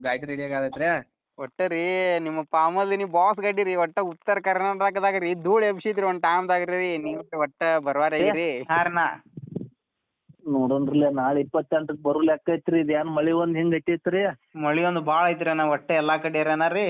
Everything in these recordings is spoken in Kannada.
ಗಾಡಿ ರೆಡಿ ಆಗೈತ್ರಿ. ಒಟ್ಟ ರೀ ನಿಮ್ಮ ಪಾಮಲ್ದಿನಿ ಬಾಸ್ ಗಾಡಿ ರೀ ಒಟ್ಟ ಉತ್ತರ ಕರ್ನಾಟಕದಾಗ ರೀ ಧೂಳ್ ಎಬ್ಸಿದ್ರಿ ಒಂದ್ ಟೈಮ್ದಾಗ ರೀ ನೀವು ಒಟ್ಟ ಬರ್ವಾರಾಗಿರಿ. ಹಾರಣ್ಣ ನೋಡೋಣ್ರಲ್ಲ ನಾಳೆ 28ಕ್ಕೆ ಬರೋ ಲೆಕ್ಕ ಐತ್ರಿ. ಇದು ಏನು ಮಳೆ ಒಂದು ಹಿಂಗೆ ಐತೈತ್ರಿ. ಮಳಿ ಒಂದು ಭಾಳ ಐತ್ರಿ ಅಣ್ಣ ಒಟ್ಟ ಎಲ್ಲಾ ಕಡೆ ಇರೋಣ ರೀ.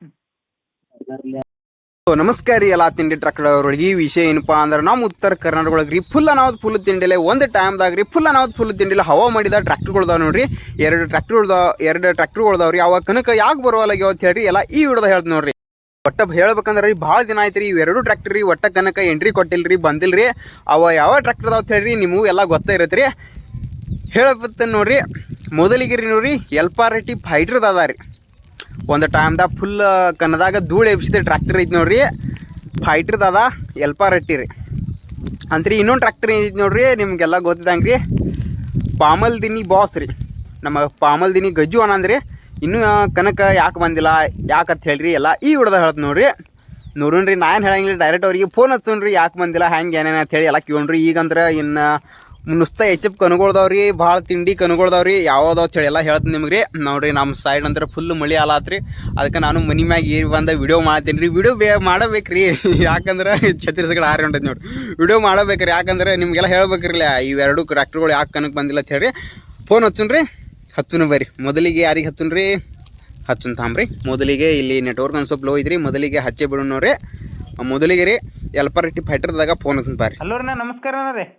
ನಮಸ್ಕಾರ ರೀ ಎಲ್ಲ ತಿಂಡಿ ಟ್ರಕ್ಟರ್ ಅವ್ರಿಗೆ. ಈ ವಿಷಯ ಏನಪ್ಪಾ ಅಂದ್ರೆ ನಮ್ಮ ಉತ್ತರ ಕರ್ನಾಟಕ ಒಳಗೆ ರೀ ಫುಲ್ ಅನಾವತ್ ಫುಲ್ ತಿಂಡಿಲೆ ಒಂದು ಟೈಮ್ದಾಗ ರೀ ಫುಲ್ ಅನಾವತ್ ಫುಲ್ ತಿಂಡಿಲೆ ಹವಾ ಮಾಡಿದ ಟ್ರ್ಯಾಕ್ಟರ್ಗಳ್ದಾವ ನೋಡ್ರಿ. ಎರಡು ಟ್ರ್ಯಾಕ್ಟರ್ಗಳ್ದಾವ್ರಿ. ಅವಾಗ ಕನಕ ಯಾಕೆ ಬರುವಲ್ಲಾಗ್ಯಾವ ಅಂತ ಹೇಳ್ರಿ ಎಲ್ಲ ಈ ವಿಡಿಯೋದಾಗ ಹೇಳ್ದು ನೋಡ್ರಿ. ಒಟ್ಟ ಹೇಳ್ಬೇಕಂದ್ರೆ ರೀ ಭಾಳ ದಿನ ಆಯ್ತು ರೀ ಇವೆರಡು ಟ್ರ್ಯಾಕ್ಟರ್ ರೀ ಒಟ್ಟ ಕನಕ ಎಂಟ್ರಿ ಕೊಟ್ಟಿಲ್ರಿ, ಬಂದಿಲ್ರಿ. ಅವ ಯಾವ ಟ್ರ್ಯಾಕ್ಟರ್ ಅದಾವ ಅಂತ ಹೇಳ್ರಿ ನಿಮಗೂ ಎಲ್ಲ ಗೊತ್ತ ಇರತ್ತೆ ರೀ. ಹೇಳಬತ್ತ ನೋಡ್ರಿ. ಮೊದಲಿಗೆ ರೀ ನೋಡ್ರಿ ಎಲ್ಪಾರೆಟಿ ಫೈಟ್ರದ್ದು ಅದ ರೀ. ಒಂದು ಟೈಮ್ದಾಗ ಫುಲ್ ಕನ್ನದಾಗ ಧೂಳು ಎಬ್ಸಿದ ಟ್ರ್ಯಾಕ್ಟರ್ ಐತಿ ನೋಡ್ರಿ, ಫೈಟ್ರದ್ದು ಅದ ಎಲ್ಪಾರೆಟ್ಟಿ ರೀ ಅಂತ್ರಿ. ಇನ್ನೊಂದು ಟ್ರ್ಯಾಕ್ಟರ್ ಐತಿ ನೋಡ್ರಿ ನಿಮಗೆಲ್ಲ ಗೊತ್ತಿದ್ದಂಗೆ ರೀ, ಪಾಮಲ್ದಿನಿ ಬಾಸ್ ರೀ. ನಮ್ಮ ಪಾಮಲ್ದಿನಿ ಗಜ್ಜು ಅನ್ನಂದ್ರಿ. ಇನ್ನೂ ಕನಕ ಯಾಕೆ ಬಂದಿಲ್ಲ ಯಾಕಂತ ಹೇಳ್ರಿ ಎಲ್ಲ ಈ ವಿಡಿಯೋದಾಗ ಹೇಳ್ತು ನೋಡ್ರಿ. ನೋಡೋಣ್ರಿ, ನಾ ಏನು ಹೇಳಂಗಿಲ್ಲ, ಡೈರೆಕ್ಟ್ ಅವ್ರಿಗೆ ಫೋನ್ ಹಚ್ಚೋಣ್ರಿ ಯಾಕೆ ಬಂದಿಲ್ಲ ಹೆಂಗೆ ಏನೇನು ಅಂತ ಹೇಳಿ ಎಲ್ಲ ಕೇಳ್ರಿ. ಈಗಂದ್ರೆ ಇನ್ನು ನುಸ್ತಾ ಹೆಚ್ಚಪ್ ಕನ್ಗೊಳ್ದವ್ರಿ, ಭಾಳ ತಿಂಡಿ ಕನ್ಗೊಳ್ದವ್ರಿ ಯಾವ್ದಾವ್ ಹೇಳಿ ಎಲ್ಲ ಹೇಳ್ತೀನಿ ನಿಮ್ಗೆ ರೀ. ನೋಡಿರಿ ನಮ್ಮ ಸೈಡ್ ಅಂದ್ರೆ ಫುಲ್ ಮಳೆ ಆಲಾತ್ರಿ. ಅದಕ್ಕೆ ನಾನು ಮನೆ ಮ್ಯಾಗ ಏರಿ ಬಂದ ವಿಡಿಯೋ ಮಾಡ್ತೀನಿ ರೀ. ವಿಡಿಯೋ ಮಾಡಬೇಕು ರೀ, ಯಾಕಂದ್ರೆ ಛತ್ತೀಸ್ಗಢ ಹಾರಿ ಹೊಂಟೈತೆ ನೋಡಿರಿ. ವಿಡಿಯೋ ಮಾಡಬೇಕು ರೀ, ಯಾಕಂದ್ರೆ ನಿಮಗೆಲ್ಲ ಹೇಳ್ಬೇಕ್ರಿಲ್ಲ ಇವೆರಡು ಟ್ರ್ಯಾಕ್ಟರ್ಗಳು ಯಾಕೆ ಕನಕ್ಕೆ ಬಂದಿಲ್ಲ ಅಂತ ಹೇಳಿ. ಫೋನ್ ಹಚ್ಚುನ್ರಿ, ಹಚ್ಚುನು ಬರ್ರಿ. ಮೊದಲಿಗೆ ಯಾರಿಗೆ ಹಚ್ಚುನ್ರಿ, ಹಚ್ಚುನ್ ತಾಂಬ್ರಿ. ಮೊದಲಿಗೆ ಇಲ್ಲಿ ನೆಟ್ವರ್ಕ್ ಒಂದು ಸ್ವಲ್ಪ ಲೋ ಇದ್ರಿ, ಮೊದಲಿಗೆ ಹಚ್ಚೆ ಬಿಡೋಣ ನೋಡ್ರಿ. ಮೊದಲಿಗೆ ರೀ ಎಲ್ಪಾರೆಟ್ಟಿ ಫೈಟರ್ದಾಗ ಫೋನ್ ಹಚ್ಚುನ್ ಬರ್ರಿ. ಹಲೋ ರೀ ನಮಸ್ಕಾರ ಅಣ್ಣ ರೀ.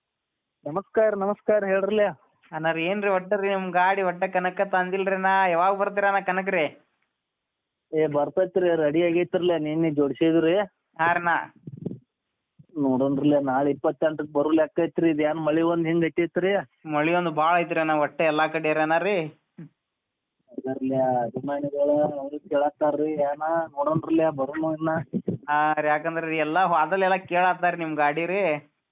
ನಮಸ್ಕಾರ ಹೇಳ್ರಲ್ಲ. ಅಣ್ಣ ರೀ ಏನ್ರಿ ಒಟ್ಟ ರೀ ನಿಮ್ಮ ಗಾಡಿ ಒಟ್ಟ ಕನಕ ತಂದಿಲ್ರಿ ನಾ ಯಾವಾಗ ಬರ್ತೀರ ಅಣ್ಣ ಕನಕ ರೀ? ಬರ್ತೈತ್ರಿ, ರೆಡಿ ಆಗೈತ್ರಲ್ಲ, ನಿನ್ನೆ ಜೋಡಿಸಿದ್ರಿ. ಹಾರಣ್ಣ ನೋಡೋಣ್ರಲ್ಲ ನಾಳೆ 28ಕ್ಕೆ ಬರೋ ಲೆಕ್ಕ ಐತ್ರಿ. ಇದು ಏನು ಮಳೆ ಒಂದು ಹಿಂಗೆ ಐತೈತ್ರಿ. ಮಳಿ ಒಂದು ಭಾಳ ಐತ್ರಿ ಅಣ್ಣ ಒಟ್ಟ ಎಲ್ಲಾ ಕಡೆ ಇರೋಣ ರೀ. ಅದರ್ಲೆ ಅಭಿಮಾನಿಗಳು ಅವ್ರು ಕೇಳತ್ತಾರ್ರಿ ಏನ ನೋಡೋಣ್ರಲ್ಲ ಬರೋನು ಇನ್ನ. ಹಾಂ ರೀ, ಯಾಕಂದ್ರೆ ರೀ ಎಲ್ಲ ಅದಲ್ಲೆಲ್ಲ ಕೇಳತ್ತಾರ ನಿಮ್ಮ ಗಾಡಿ ರೀ.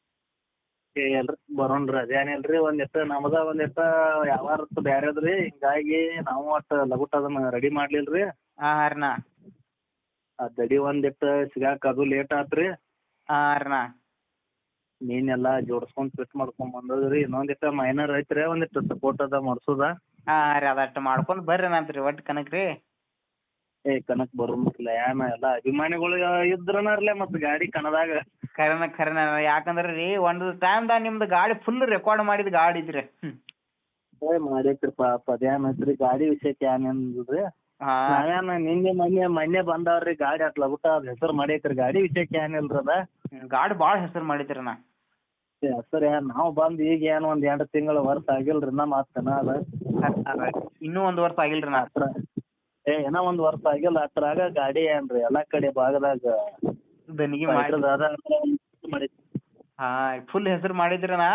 ಎಲ್ರಿ ಬರೋಣ್ರಿ, ಅದೇನಿಲ್ರಿ. ಒಂದಿಟ್ಟು ನಮ್ದ ಒಂದಿಟ್ಟು ಯಾವಾರ ಬ್ಯಾರೆದ್ರಿ, ಹಿಂಗಾಗಿ ನಾವು ಒಟ್ಟು ಲಗುಟ್ ಅದನ್ನ ರೆಡಿ ಮಾಡ್ಲಿಲ್ರಿ. ಹಾಂ ರೀ ಅಣ್ಣ. ಆ ದಡಿ ಒಂದಿಟ್ಟು ಸಿಗಾಕ ಅದು ಲೇಟ್ ಆತ್ರಿ. ಹಾಂ ರೀ ಅಣ್ಣ. ನೀನೆಲ್ಲ ಜೋಡಿಸ್ಕೊಂಡು ಫಿಟ್ ಮಾಡ್ಕೊಂಡ್ ಬಂದದ್ರಿ. ಇನ್ನೊಂದಿಟ್ಟು ಮೈನರ್ ಐತ್ರಿ, ಒಂದಿಟ್ಟು ಸಪೋರ್ಟ್ ಅದ ಮಾಡ್ಸೋದ. ಹಾಂ ರೀ ಅದಟ್ಟು ಮಾಡ್ಕೊಂಡು ಬರ್ರಿ ನಂತ್ರಿ ಒಟ್ಟು ಕನಕ ರೀ. ಕನಕ್ ಬರೋಂಗಿಲ್ಲ ಏನ ಎಲ್ಲ ಅಭಿಮಾನಿಗಳು ಇದ್ರನರ್ಲೆ ಮತ್ತು ಗಾಡಿ ಕಣದಾಗ. ಖರೇನ ಯಾಕಂದ್ರೆ ರೀ ಒಂದು ಟೈಮ್ದಾಗ ನಿಮ್ದು ಗಾಡಿ ಫುಲ್ ರೆಕಾರ್ಡ್ ಮಾಡಿದ ಗಾಡಿ ಇದ್ರಿ. ಮಾಡೈತ್ರಿ ಪಾಪ, ಅದೇನ್ ಐತ್ರಿ ಗಾಡಿ ವಿಷಯಕ್ಕೆ ಏನಿಲ್ರಿ. ಹಾಂ ನಾವೇನ ನಿನ್ನೆ ಮೊನ್ನೆ ಬಂದವ್ರಿ ಗಾಡಿ ಅಟ್ ಲಗುಟ ಅದ್ ಹೆಸರು ಮಾಡೈತ್ರಿ. ಗಾಡಿ ವಿಷಯಕ್ಕೆ ಏನಿಲ್ರಿ ಅದ. ಗಾಡಿ ಭಾಳ ಹೆಸರು ಮಾಡಿದ್ರಿ ಅಣ್ಣ. ಹೆಸರು ಏನ್ ನಾವು ಬಂದು ಈಗ ಏನು ಒಂದು 2 ತಿಂಗಳು ವರ್ಷ ಆಗಿಲ್ರಿ ಇನ್ನ ಮಾತನ ಅದ. ಇನ್ನೂ 1 ವರ್ಷ ಆಗಿಲ್ರಿ ಅಣ್ಣ. ಹತ್ರ ಏನೋ 1 ವರ್ಷ ಆಗಿಲ್ಲ. ಅದ್ರಾಗ ಗಾಡಿ ಏನ್ರಿ ಎಲ್ಲಾ ಕಡೆ ಭಾಗದಾಗ ದನಿಗೆ ಮಾಡಿ. ಹಾಂ ಫುಲ್ ಹೆಸರು ಮಾಡಿದ್ರಿ ಅಣ್ಣ.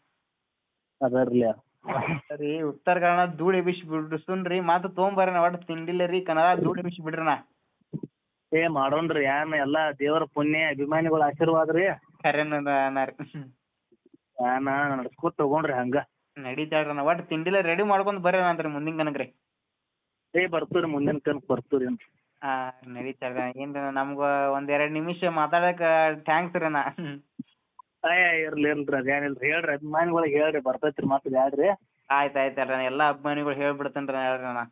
ಅದರ್ಲಿ ಸರಿ ಉತ್ತರ ಕನ್ನಡ ಧೂಳು ಎಬ್ಬಿಸಿ ಬಿಡಿಸುನ್ರಿ ಮತ್ತೆ ತೊಗೊಂಬರ್ರಿ ಒಟ್ಟು ತಿಂಡಿಲ್ಲ ರೀ ಕನ್ನಡ ಧೂಳು ಎಬ್ಬಿಸಿ ಬಿಡ್ರಣ್ಣ. ಮಾಡೋಣ್ರಿ ಏನ್ ಎಲ್ಲಾ ದೇವರ ಪುಣ್ಯ ಅಭಿಮಾನಿಗಳ ಆಶೀರ್ವಾದ ರೀ. ಖರೇನ ರೀ ಏನ ನಡ್ಸ್ಕೊತ ತಗೊಂಡ್ರಿ ಹಂಗ ನಡೀತಾಳ್ರಣ್ಣ. ಒಟ್ಟು ತಿಂಡಿಲ್ಲ ರೆಡಿ ಮಾಡ್ಕೊಂಡು ಬರ್ರಿ ಅಂತ್ರಿ ಮುಂದಿನ ಕನಕ ರೀ. ಬರ್ತೀರಿ ಮುಂದಿನ ಕನಕ ಬರ್ತೀರಿ. ಹಾಂ ನಡೀತಾಳ್ರಿ. ಏನು ನಮ್ಗೆ 1-2 ನಿಮಿಷ ಮಾತಾಡಕ್ಕೆ ಥ್ಯಾಂಕ್ಸ್ ರೀ ಅಣ್ಣ. ಇರ್ಲಿ ಅದೇನಿಲ್ರಿ, ಹೇಳ್ರಿ ಅಭಿಮಾನಿಗಳಿಗೆ ಹೇಳ್ರಿ ಬರ್ತೈತ್ರಿ ಮತ್ತೆ ಬ್ಯಾಡ್ರಿ. ಆಯ್ತು ಅಣ್ಣ ಎಲ್ಲ ಅಭಿಮಾನಿಗಳು ಹೇಳ್ಬಿಡ್ತೇನೆ ರೀ ಹೇಳ್ರಿ ಅಣ್ಣ.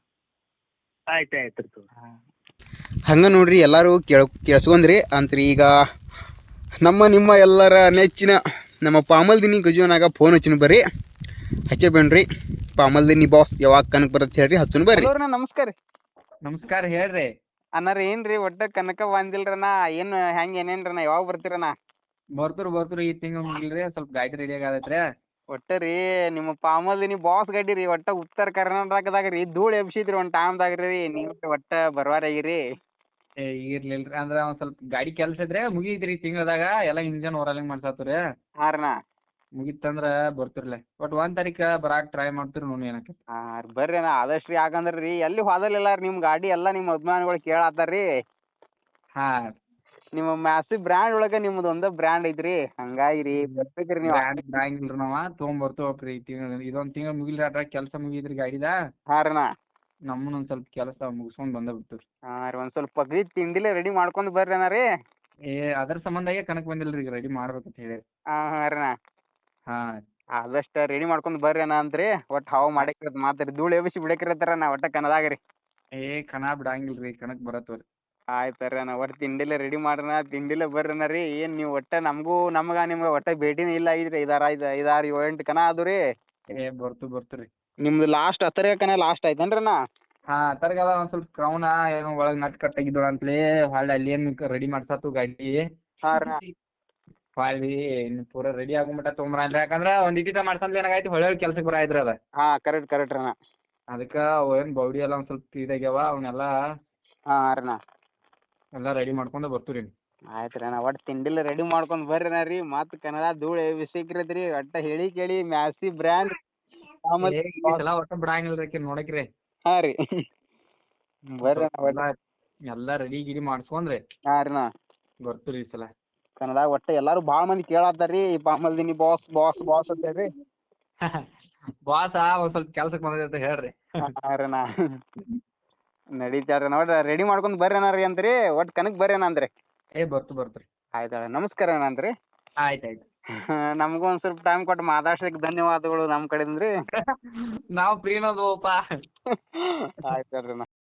ಆಯ್ತು. ಹಾಂ ಹಂಗೆ ನೋಡ್ರಿ ಎಲ್ಲರೂ ಕೇಳಿಸ್ಕೊಂಡ್ರಿ ಅಂತ್ರಿ. ಈಗ ನಿಮ್ಮ ಎಲ್ಲರ ನೆಚ್ಚಿನ ನಮ್ಮ ಪಾಮಲ್ದಿನಿ ಗಜುವನಾಗ ಫೋನ್ ಹಚ್ಚುನ್ ಬರ್ರಿ, ಹಚ್ಚೆ ಬೇಡ್ರಿ. ಪಾಮಲ್ದಿನಿ ಬಾಸ್ ಯಾವಾಗ ಕನಕ ಬರುತ್ತೆ ಹೇಳ್ರಿ, ಹಚ್ಚುನ್ ಬರ್ರಿ. ನಮಸ್ಕಾರ ರೀ. ನಮಸ್ಕಾರ ಹೇಳ್ರಿ. ಅಣ್ಣ ರೀ ಏನ್ರಿ ಒಟ್ಟು ಕನಕ ಬಂದಿಲ್ರಣ್ಣ, ಏನು ಹೆಂಗೆ ಏನೇನ್ರಣ್ಣ ಯಾವಾಗ ಬರ್ತೀರಣ್ಣ? ಬರ್ತೀರಿ ಈ ತಿಂಗಳು ಮುಗಿಲ್ರಿ, ಸ್ವಲ್ಪ ಗಾಡಿ ರೆಡಿ ಆಗೈತ್ರಿ. ಒಟ್ಟು ರೀ ನಿಮ್ಮ ಪಾಮಲ್ದಿನಿ ಬಾಸ್ ಗಾಡಿ ರೀ ಒಟ್ಟು ಉತ್ತರ ಕರ್ನಾಟಕದಾಗ ರೀ ಧೂಳು ಎಬ್ಸಿದ್ರಿ ಒಂದು ಟೈಮ್ದಾಗ ರೀ ನೀವು ಒಟ್ಟು ಬರ್ವಾರಾಗಿರಿ. ಇರ್ಲಿಲ್ರಿ ಅಂದ್ರೆ ಒಂದ್ ಸ್ವಲ್ಪ ಗಾಡಿ ಕೆಲಸ ಇದ್ರೆ ಮುಗಿತ್ರಿ ತಿಂಗಳದಾಗ ಎಲ್ಲ ಇಂಜನ್ ಓರಲಿಂಗ್ ಮಾಡ್ಸಾತ್ರಿ. ಹಾಂ ರೀ ಅಣ್ಣ. ಮುಗಿತಂದ್ರ ಬರ್ತಿರ್ಲೆ ಒಟ್ಟು 1 ತಾರೀಕು ಬರಾಕ್ ಟ್ರೈ ಮಾಡ್ತೀರಿ ನೋಡಿ ಏನಕ್ಕೆ. ಹಾಂ ರೀ ಬರ್ರಿ ಅಣ್ಣ ಆದಷ್ಟು ರೀ. ಯಾಕಂದ್ರೆ ರೀ ಎಲ್ಲಿ ಹೋದಲಿಲ್ಲ ರೀ ನಿಮ್ಮ ಗಾಡಿ ಎಲ್ಲ ನಿಮ್ಮ ಅಭಿಮಾನಿಗಳು ಕೇಳತ್ತಾರ ರೀ. ಹಾಂ ನಿಮ್ಮ ಮ್ಯಾಸಿವ್ ಬ್ರ್ಯಾಂಡ್ ಒಳಗೆ ನಿಮ್ಮದು ಒಂದೇ ಬ್ರ್ಯಾಂಡ್ ಐತ್ರಿ, ಹಂಗಾಗಿ ರೀ ಬರ್ಬೇಕ್ರಿ ನೀವು. ಬ್ರ್ಯಾಂಡ್ ನಾವ ತೊಗೊಂಬರ್ತೀವಪ್ರಿ. ಇದೊಂದು ತಿಂಗಳು ಮುಗಿಲ್ರಿ, ಅದ್ರಾಗ ಕೆಲಸ ಮುಗಿದ್ರಿ ಗಾಡಿದ. ಹಾಂ ರೀ ಅಣ್ಣ. ನಮ್ಮನ್ನ ಒಂದು ಸ್ವಲ್ಪ ಕೆಲಸ ಮುಗಿಸ್ಕೊಂಡು ಬಂದ ಬಿಡ್ತೀವಿ. ಹಾಂ ರೀ ಒಂದು ಸ್ವಲ್ಪ ಪಗಡಿ ತಿಂಡಿಲೇ ರೆಡಿ ಮಾಡ್ಕೊಂಡು ಬರ್ರಿ ಅಣ್ಣ ರೀ. ಅದ್ರ ಸಂಬಂಧಾಗೆ ಕನಕ ಬಂದಿಲ್ರಿ, ಈಗ ರೆಡಿ ಮಾಡ್ಬೇಕಂತ ಹೇಳಿ. ಹಾಂ ರೀ ಅಣ್ಣ. ಹಾಂ ಆದಷ್ಟು ರೆಡಿ ಮಾಡ್ಕೊಂಡು ಬರ್ರಿ ಅಣ್ಣ ಅಂತ್ರಿ ಒಟ್ಟು ಹವಾ ಮಾಡಕ್ಕಿರತ್ ಮಾತ್ರಿ ಧೂಳು ಎಬ್ಬಿಸಿ ಬಿಡಕ್ಕಿರತ್ತಾರ ನಾ ಒಟ್ಟ ಕನ್ನದಾಗ ರೀ. ಏ ಕಣ ಬಿಡಂಗಿಲ್ಲ ರೀ ಕಣಕ್ ಬರತ್ತವ್ರಿ. ಆಯ್ತು ರೀ ಅಣ್ಣ ಒಟ್ಟು ತಿಂಡಿಲೆ ರೆಡಿ ಮಾಡೋಣ ತಿಂಡಿಲೆ ಬರ್ರಿ ಅಣ್ಣ ರೀ ಏನು ನೀವು ಒಟ್ಟು ನಿಮ್ಗೆ ಒಟ್ಟು ಭೇಟಿನೇ ಇಲ್ಲ ಆಗಿದ್ರಿ 5 6 7 8 ಕನ ಅದು ರೀ. ಏ ಬರ್ತೀರಿ. ನಿಮ್ದು ಲಾಸ್ಟ್ ಹತ್ತರೆ ಕನ ಲಾಸ್ಟ್ ಆಯ್ತೇನ್ರಿ ಅಣ್ಣ? ಹಾಂ ತರಗದ ಒಂದು ಸ್ವಲ್ಪ ಕ್ರೌನ ಏನೋ ಒಳಗೆ ನಟ್ ಕಟ್ ಆಗಿದ್ದು ಅಂತಲೇ ಹೊಳ್ಳಿ ಅಲ್ಲಿ ಏನು ರೆಡಿ ಮಾಡ್ಸತ್ತು ಗಾಡಿ. ಹಾಂ ರೀ. ಹೊಳ್ಳಿ ಪೂರ ರೆಡಿ ಆಗುಮಟ ತೊಗೊಂಬರ ಅಂದ್ರೆ ಯಾಕಂದ್ರೆ ಒಂದು ಇಟ್ಟಿಟ ಮಾಡ್ಸಂದ್ಲೆ ಏನಾಗೈತಿ ಹೊಳ್ಳಿ ಕೆಲ್ಸಕ್ಕೆ ಬರಾಯ್ತ್ರಿ ಅದ. ಹಾಂ ಕರೆಕ್ಟ್ ರೀ ಅಣ್ಣ. ಅದಕ್ಕೆ ಏನು ಬೌಡಿ ಎಲ್ಲ ಒಂದು ಸ್ವಲ್ಪ ಇದಾಗ್ಯಾವ ಅವನ್ನೆಲ್ಲ ಹಾಂ ರೀ ಅಣ್ಣ. ಎಲ್ಲ ರೆಡಿ ಮಾಡ್ಕೊಂಡು ಬರ್ತೀವಿ ರೀ. ಆಯ್ತು ರೀ ಅಣ್ಣ ಒಟ್ಟು ತಿಂಡಿಲ್ಲ ರೆಡಿ ಮಾಡ್ಕೊಂಡು ಬರ್ರಿ ಅಣ್ಣ ರೀ ಮತ್ತು ಕನ್ನಡ ಧೂಳು ಬಿಸಿಕ್ರೈತಿ ರೀ ಒಟ್ಟು ಹೇಳಿ ಕೇಳಿ ಮ್ಯಾಸಿ ಬ್ರ್ಯಾಂಡ್ ಎಲ್ಲ ಒಟ್ಟು ಬಿಡಂಗಿಲ್ಲ ರೀ ನೋಡಕ್ರಿ. ಹಾಂ ರೀ ಬರ್ರಿ ಅಣ್ಣ ಎಲ್ಲ ರೆಡಿ ಗಿಡಿ ಮಾಡಿಸ್ಕೊಂಡ್ರಿ ಹಾಂ ರೀ ಅಣ್ಣ ಬರ್ತೀವಿ ಈ ಸಲ. ಕನ್ನಡ ಒಟ್ಟು ಎಲ್ಲರೂ ಭಾಳ ಮಂದಿ ಕೇಳತ್ತಾರ ರೀ ಪಾಮಲ್ದಿನಿ ಬಾಸ್ ಬಾಸ್ ಬಾಸ್ ಅಂತ ರೀ. ಬಾಸ ಒಂದು ಸ್ವಲ್ಪ ಕೆಲ್ಸಕ್ಕೆ ಬಂದೈತೆ ಅಂತ ಹೇಳ್ರಿ. ಹಾಂ ರೀ ಅಣ್ಣ ನಡೀತಾರ ನೋಡ್ರಿ ರೆಡಿ ಮಾಡ್ಕೊಂಡು ಬರ್ರಿ ಅಣ್ಣ ರೀ ಅಂತ್ರಿ ಒಟ್ಟು ಕನಕ್ ಬರ್ರಿ ಅಣ್ಣ ಅಂದ್ರಿ. ಏ ಬರ್ತೀವಿ. ಆಯ್ತು ಅಣ್ಣ ನಮಸ್ಕಾರ ಅಣ್ಣ ಅಂತ್ರಿ. ಆಯ್ತು ನಮಗೂ ಒಂದು ಸ್ವಲ್ಪ ಟೈಮ್ ಕೊಟ್ಟು ಮಾತಾಡ್ಸಕ್ಕೆ ಧನ್ಯವಾದಗಳು ನಮ್ಮ ಕಡೆಯಿಂದ ರೀ. ನಾವು ಫ್ರೀನೋದಪ್ಪ. ಆಯ್ತು ರೀ ಅಣ್ಣ.